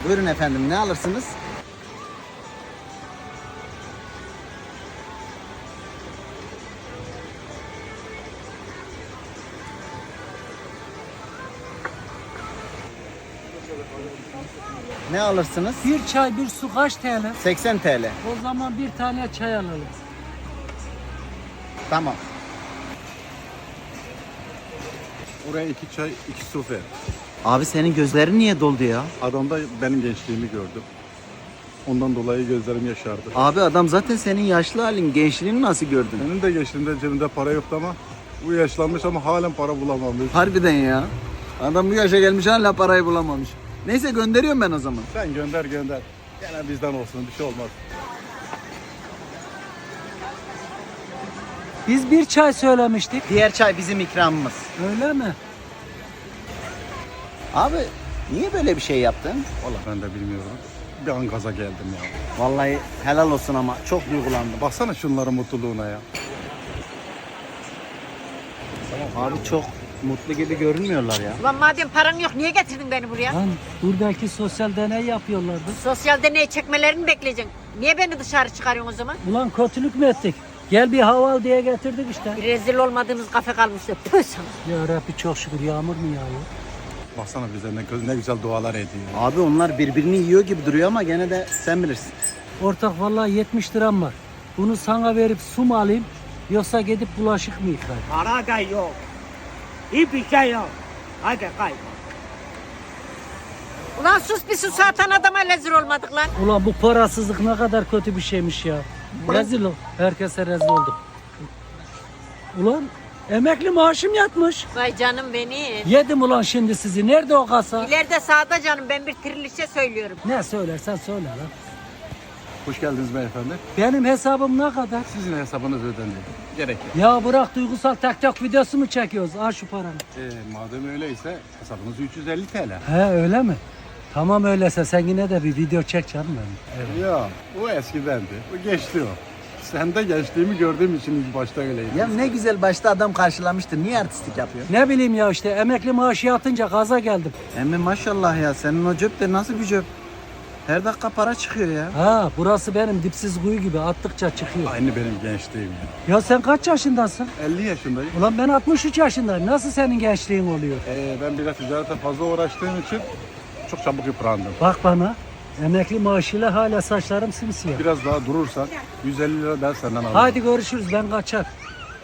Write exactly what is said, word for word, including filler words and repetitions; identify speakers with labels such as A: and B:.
A: Buyurun efendim, ne alırsınız? Ne alırsınız?
B: Bir çay bir su kaç T L?
A: seksen T L.
B: O zaman bir tane çay alalım.
A: Tamam.
C: Oraya iki çay, iki su ver.
A: Abi senin gözlerin niye doldu ya?
C: Adamda benim gençliğimi gördüm. Ondan dolayı gözlerim yaşardı.
A: Abi adam zaten senin yaşlı halin, gençliğini nasıl gördün?
C: Benim de gençliğimde cebimde para yoktu ama bu yaşlanmış ama halen para bulamamış.
A: Harbiden ya. Adam bu yaşa gelmiş hala parayı bulamamış. Neyse gönderiyorum ben o zaman.
C: Sen gönder gönder. Gene bizden olsun, bir şey olmaz.
B: Biz bir çay söylemiştik.
A: Diğer çay bizim ikramımız.
B: Öyle mi?
A: Abi niye böyle bir şey yaptın?
C: Valla ben de bilmiyorum. Bir an gaza geldim ya.
A: Vallahi helal olsun ama çok duygulandım.
C: Baksana şunların mutluluğuna ya.
A: Abi çok mutlu gibi görünmüyorlar ya.
D: Ulan madem paran yok niye getirdin beni buraya?
B: Lan buradaki sosyal deney yapıyorlardı.
D: Sosyal deney çekmelerini bekleyeceksin. Niye beni dışarı çıkarıyorsun o zaman?
B: Ulan kötülük mü ettik? Gel bir hava al diye getirdik işte.
D: Bir rezil olmadığımız kafe kalmıştı. Püh sana.
B: Ya Rabbi çok şükür yağmur mu yağıyor?
C: Baksana bize ne, ne güzel dualar ediyor.
A: Abi onlar birbirini yiyor gibi duruyor ama gene de sen bilirsin.
B: Ortak vallahi yetmiş liram var. Bunu sana verip su mu alayım yoksa gidip bulaşık mı yıkayayım?
E: Para da yok. Hiçbir şey yok. Hadi kaybol.
D: Ulan sus bir su satan adama rezil olmadık lan.
B: Ulan bu parasızlık ne kadar kötü bir şeymiş ya. Rezil ol. Herkese rezil olduk. Ulan emekli maaşım yatmış.
D: Vay canım benim.
B: Yedim ulan şimdi sizi. Nerede o kasa?
D: İleride sağda canım ben bir trilişe söylüyorum.
B: Ne söylersen söyle lan.
C: Hoş geldiniz beyefendi.
B: Benim hesabım ne kadar?
C: Sizin hesabınız ödendi. Gerek yok.
B: Ya bırak duygusal TikTok videosu mu çekiyoruz? Al şu paranı.
C: Ee, madem öyleyse hesabınız üç yüz elli T L.
B: He öyle mi? Tamam öyleyse sen yine de bir video çek canım benim. Evet.
C: Ya o eskidendi. Bu geçti o. Sen de gençliğimi gördüğüm için ilk başta öyleydi.
A: Ya ne güzel başta adam karşılamıştı. Niye artistlik yapıyor?
B: Ne bileyim ya işte emekli maaşı yatınca gaza geldim.
A: Emmi maşallah ya senin o cep de nasıl bir cep? Her dakika para çıkıyor ya.
B: Ha burası benim dipsiz kuyu gibi attıkça çıkıyor.
C: Aynı benim gençliğim ya.
B: Ya sen kaç yaşındasın?
C: elli yaşındayım.
B: Ulan ben altmış üç yaşındayım. Nasıl senin gençliğin oluyor?
C: Ee, ben biraz ticarete fazla uğraştığım için çok çabuk yıprandım.
B: Bak bana. Emekli maaşıyla hala saçlarım simsiyah.
C: Biraz daha durursan yüz elli lira ben senden alırım.
B: Hadi görüşürüz ben kaçar.